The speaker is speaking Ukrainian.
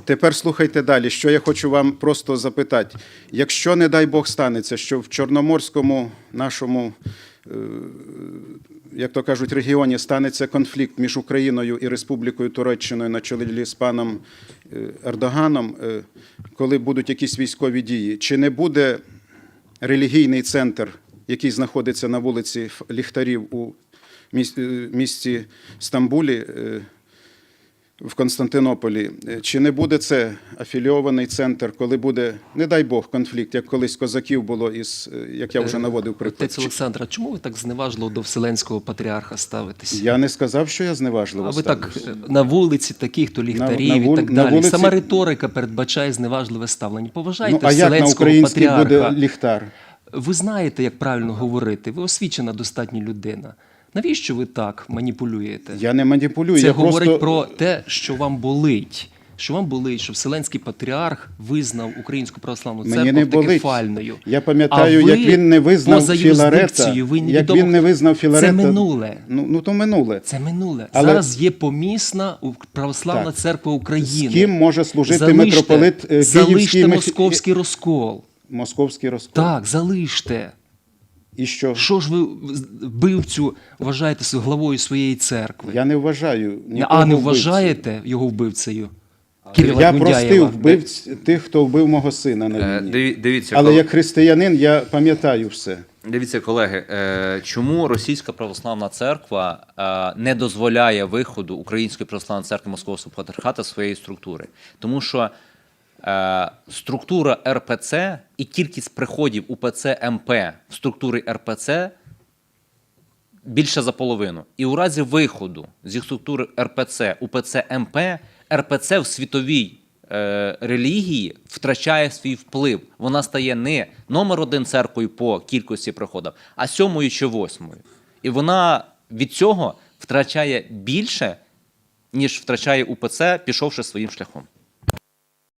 Тепер слухайте далі, що я хочу вам просто запитати. Якщо, не дай Бог, станеться, що в Чорноморському нашому, як то кажуть, регіоні станеться конфлікт між Україною і Республікою Туреччиною на чолі з паном Ердоганом, коли будуть якісь військові дії, чи не буде релігійний центр, який знаходиться на вулиці Ліхтарів у місті Стамбулі, в Константинополі, чи не буде це афілійований центр, коли буде, не дай Бог, конфлікт, як колись козаків було, як я вже наводив приклад? Отець Олександр, а чому ви так зневажливо до Вселенського патріарха ставитесь? Я не сказав, що я зневажливо А ви так ставлюся. на вулиці таких-то ліхтарів і так далі. Сама риторика передбачає зневажливе ставлення. Поважайте А як на Вселенського українській патріарха. буде ліхтар? Ви знаєте, як правильно говорити. Ви освічена достатньо людина. Навіщо ви так маніпулюєте? Я не маніпулюю. Це я говорить просто... про те, що вам болить. Що вам болить, що Вселенський патріарх визнав Українську православну Мені церкву не автокефальною. Я пам'ятаю, як він не визнав Філарета. Це минуле. Ну, то минуле. Це минуле. Але... Зараз є помісна православна церква України. З ким може служити митрополит Київський? Залиште московський розкол. Московський розкол. Так, залиште. І що? Що ж ви вбивцю вважаєте главою своєї церкви? Я не вважаю нікого А не вбивцею. вважаєте його вбивцею? Кирила Я Гундяєва. простив вбивць тих, хто вбив мого сина на війні. Дивіться, але як християнин я пам'ятаю все. Дивіться, колеги, чому Російська Православна Церква не дозволяє виходу Української Православної Церкви Московського Патріархату з своєї структури? Тому що структура РПЦ і кількість приходів УПЦ МП в структурі РПЦ більше за половину. І у разі виходу зі структури РПЦ УПЦ МП, РПЦ в світовій релігії втрачає свій вплив. Вона стає не номер один церквою по кількості приходів, а 7-ю чи 8-ю. І вона від цього втрачає більше, ніж втрачає УПЦ, пішовши своїм шляхом.